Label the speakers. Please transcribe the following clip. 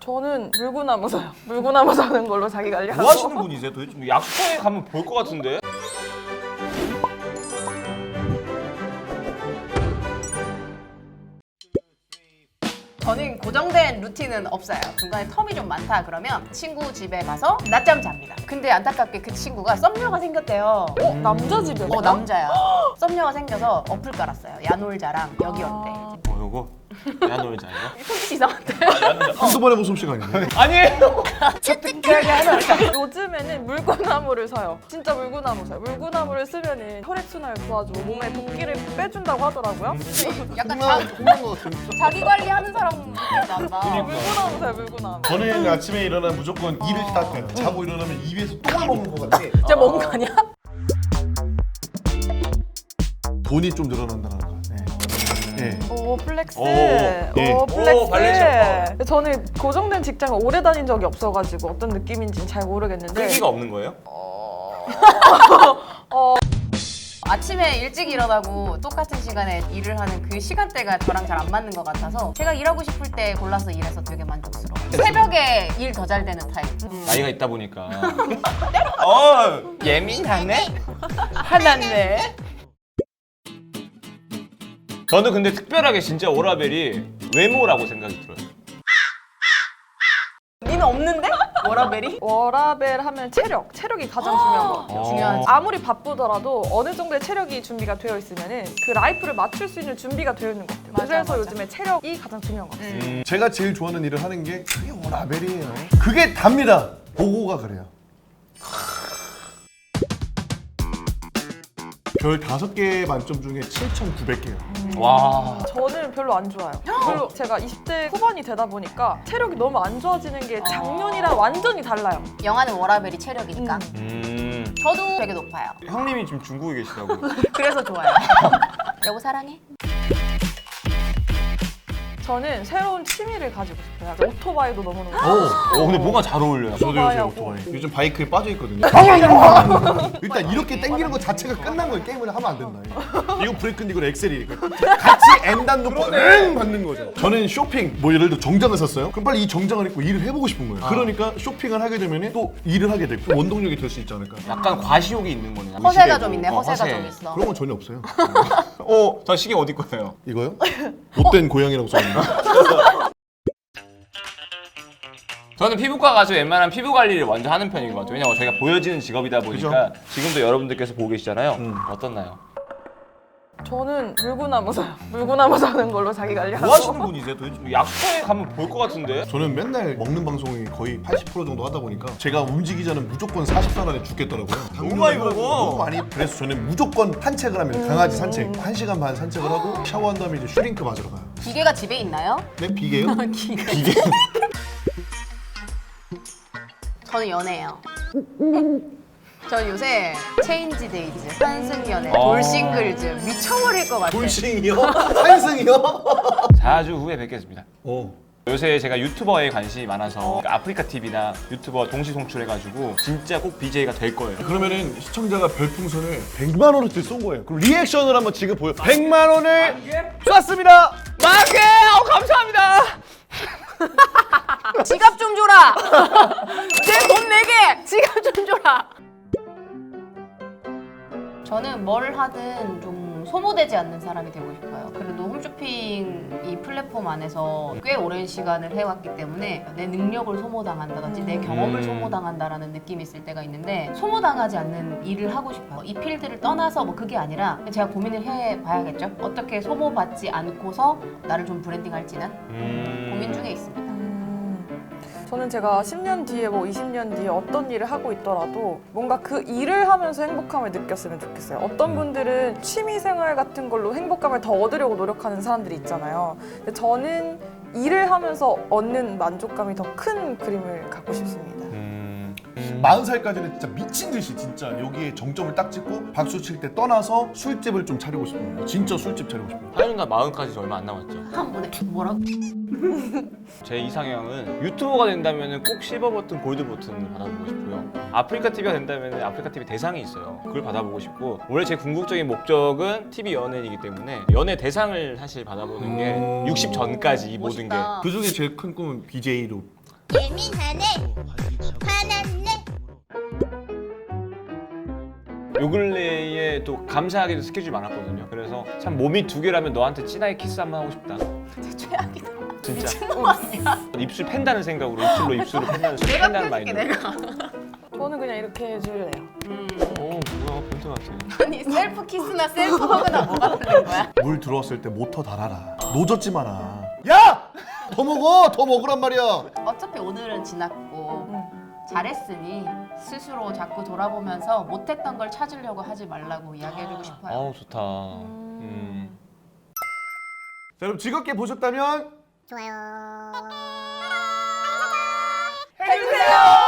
Speaker 1: 저는 물구나무 사요. 물구나무 사는 걸로 자기 관리하고.
Speaker 2: 뭐 하시는 분이세요? 도대체 약수터에 가면 볼 것 같은데?
Speaker 3: 저는 고정된 루틴은 없어요. 중간에 텀이 좀 많다 그러면 친구 집에 가서 낮잠 잡니다. 근데 안타깝게 그 친구가 썸녀가 생겼대요.
Speaker 1: 남자 집이요?
Speaker 3: 남자야. 썸녀가 생겨서 어플 깔았어요. 야놀자랑 여기 어때?
Speaker 2: 요거? 야놀자 이거?
Speaker 3: 손짓 이상한데?
Speaker 4: 한두 번의 웃음씨가 아니네.
Speaker 2: 아니에요!
Speaker 1: 요즘에는 물구나무를 사요. 진짜 물구나무 사요. 물구나무를 쓰면은 혈액순환을 도와주고 몸에 붓기를 빼준다고 하더라고요.
Speaker 3: 약간
Speaker 4: 공부한 것 같은.
Speaker 3: 자기 관리하는 사람 난다.
Speaker 1: 물구나무 사요, 물구나무.
Speaker 4: 저는 아침에 일어나면 무조건 이를 닦아요. 자고 일어나면 입에서 똥을 먹는 것 같아.
Speaker 3: 진짜 먹은 거 아니야?
Speaker 4: 돈이 좀 늘어난다는 거. 네.
Speaker 1: 오 플렉스.
Speaker 2: 오,
Speaker 4: 예.
Speaker 1: 오 플렉스.
Speaker 2: 오, 발렌시아가.
Speaker 1: 저는 고정된 직장을 오래 다닌 적이 없어가지고 어떤 느낌인지는 잘 모르겠는데.
Speaker 2: 끈기가 없는 거예요?
Speaker 3: 아침에 일찍 일어나고 똑같은 시간에 일을 하는 그 시간대가 저랑 잘 안 맞는 것 같아서 제가 일하고 싶을 때 골라서 일해서 되게 만족스러워요. 새벽에 일 더 잘 되는 타입.
Speaker 2: 나이가 있다 보니까 예민하네?
Speaker 3: 화났네.
Speaker 2: 저는 근데 특별하게 진짜 워라벨이 외모라고 생각이 들어요.
Speaker 3: 니는 없는데? 워라벨이?
Speaker 1: 워라벨 하면 체력이 가장 중요한 것 같아요.
Speaker 3: 중요하지.
Speaker 1: 아무리 바쁘더라도 어느 정도의 체력이 준비가 되어 있으면은 그 라이프를 맞출 수 있는 준비가 되어 있는 것 같아요.
Speaker 3: 맞아,
Speaker 1: 그래서
Speaker 3: 맞아.
Speaker 1: 요즘에 체력이 가장 중요한 것 같아요.
Speaker 4: 제가 제일 좋아하는 일을 하는 게 그게 워라벨이에요. 그게 답니다. 보고가 그래요. 별 5개 만점 중에 7,900개요.
Speaker 2: 와.
Speaker 1: 저는 별로 안 좋아요. 별로 제가 20대 후반이 되다 보니까 체력이 너무 안 좋아지는 게 작년이랑 완전히 달라요.
Speaker 3: 영화는 워라벨이 체력이니까. 저도 되게 높아요.
Speaker 2: 형님이 지금 중국에 계시다고.
Speaker 3: 그래서 좋아요. 여보 사랑해?
Speaker 1: 저는 새로운 취미를 가지고 싶어요. 오토바이도 너무너무 좋아요.
Speaker 2: 근데 뭔가 잘 어울려요.
Speaker 4: 저도 요새
Speaker 1: 오토바이하고.
Speaker 4: 오토바이. 요즘 바이크에 빠져 있거든요. 일단 이렇게 당기는 것 자체가 끝난 거예요. 게임을 하면 안 된다. 이거 브레이크는 이거 엑셀이. 같이 N단 놓고 응 받는 거죠. 저는 쇼핑, 뭐 예를 들어 정장을 샀어요. 그럼 빨리 이 정장을 입고 일을 해보고 싶은 거예요. 그러니까 쇼핑을 하게 되면 또 일을 하게 되고 원동력이 될 수 있지 않을까.
Speaker 2: 약간 과시욕이 있는 거네.
Speaker 3: 허세가 좀 있네. 허세가 좀 있어.
Speaker 4: 그런 건 전혀 없어요.
Speaker 2: 저 시계 어디 거예요?
Speaker 4: 이거요? 못된 고양이라고 써있는데.
Speaker 2: 저는 피부과 가서 웬만한 피부 관리를 먼저 하는 편인 것 같아요. 왜냐면 저희가 보여지는 직업이다 보니까 지금도 여러분들께서 보고 계시잖아요. 어떻나요?
Speaker 1: 저는 물구나무 사요. 물구나무 사는 걸로 자기 관리하고.
Speaker 2: 뭐 하시는 분이세요? 도대체 약수터에 가면 볼 것 같은데?
Speaker 4: 저는 맨날 먹는 방송이 거의 80% 정도 하다 보니까 제가 움직이기 전에 무조건 40분 안에 죽겠더라고요.
Speaker 2: 너무 많이 먹어.
Speaker 4: 너무 많이. 그래서 저는 무조건 산책을 합니다. 강아지 산책. 1시간 반 산책을 하고 샤워한 다음에 이제 슈링크 맞으러 가요.
Speaker 3: 기계가 집에 있나요?
Speaker 4: 네? 비계요?
Speaker 3: 기계. 저는 연애예요. 저 요새 체인지 데이즈, 환승연애, 돌싱글즈 미쳐버릴 것 같아.
Speaker 4: 돌싱이요? 환승이요?
Speaker 2: 4주 후에 뵙겠습니다.
Speaker 4: 어.
Speaker 2: 요새 제가 유튜버에 관심이 많아서 아프리카 TV나 유튜버 동시 송출해가지고 진짜 꼭 BJ가 될 거예요.
Speaker 4: 그러면은 시청자가 별풍선을 100만 원어치 쏜 거예요. 그럼 리액션을 한번 지금 보여. 100만 원을 쐈습니다.
Speaker 2: 만개! 감사합니다!
Speaker 3: 지갑 좀 줘라. 내 돈 내게 지갑 좀 줘라. 저는 뭘 하든 좀 소모되지 않는 사람이 되고 싶어요. 그래도 홈쇼핑 이 플랫폼 안에서 꽤 오랜 시간을 해왔기 때문에 내 능력을 소모당한다든지 내 경험을 소모당한다라는 느낌이 있을 때가 있는데 고무당하지 않는 일을 하고 싶어요. 이 필드를 떠나서 뭐 그게 아니라 제가 고민을 해봐야겠죠. 어떻게 소모받지 않고서 나를 좀 브랜딩할지는 고민 중에 있습니다.
Speaker 1: 저는 제가 10년 뒤에 뭐 20년 뒤에 어떤 일을 하고 있더라도 뭔가 그 일을 하면서 행복함을 느꼈으면 좋겠어요. 어떤 분들은 취미생활 같은 걸로 행복감을 더 얻으려고 노력하는 사람들이 있잖아요. 근데 저는 일을 하면서 얻는 만족감이 더 큰 그림을 갖고 싶습니다.
Speaker 4: 40살까지는 진짜 미친 듯이 진짜 여기에 정점을 딱 찍고 박수 칠 때 떠나서 술집을 좀 차리고 싶어요. 진짜 술집 차리고 싶어요.
Speaker 2: 하윤이가 40까지 얼마 안 남았죠.
Speaker 3: 한 번에 뭐라고?
Speaker 2: 제 이상형은 유튜버가 된다면 꼭 실버 버튼, 골드 버튼을 받아보고 싶고요. 아프리카 TV가 된다면 아프리카 TV 대상이 있어요. 그걸 받아보고 싶고 원래 제 궁극적인 목적은 TV 연예인이기 때문에 연예 대상을 사실 받아보는 게 60 전까지 이 모든 게
Speaker 3: 멋있다.
Speaker 4: 그 중에 제일 큰 꿈은 BJ로
Speaker 5: 예민하네 화났네.
Speaker 2: 요 근래에 또 감사하게도 스케줄이 많았거든요. 그래서 참 몸이 두 개라면 너한테 진하게 키스 한번 하고 싶다.
Speaker 3: 최악이다.
Speaker 2: 진짜.
Speaker 3: 미친놈 아니야?
Speaker 2: 입술 팬다는 생각으로 입술로 입술을 팬다는
Speaker 3: 내가
Speaker 2: 팬다는
Speaker 3: 펴줄게
Speaker 2: 마인드.
Speaker 3: 내가.
Speaker 1: 저는 그냥 이렇게 해줄래요.
Speaker 2: 뭐야 변태 같아.
Speaker 3: 아니 셀프 키스나 셀프 허그나 뭐가 다른 거야?
Speaker 4: 물 들어왔을 때 모터 달아라. 노젓지 마라. 야! 더 먹어! 더 먹으란 말이야.
Speaker 3: 어차피 오늘은 지났고 잘했으니 스스로 자꾸 돌아보면서 못했던 걸 찾으려고 하지 말라고 이야기해주고 싶어요.
Speaker 2: 아우 좋다.
Speaker 4: 자, 여러분 즐겁게 보셨다면
Speaker 5: 좋아요.
Speaker 1: 해주세요.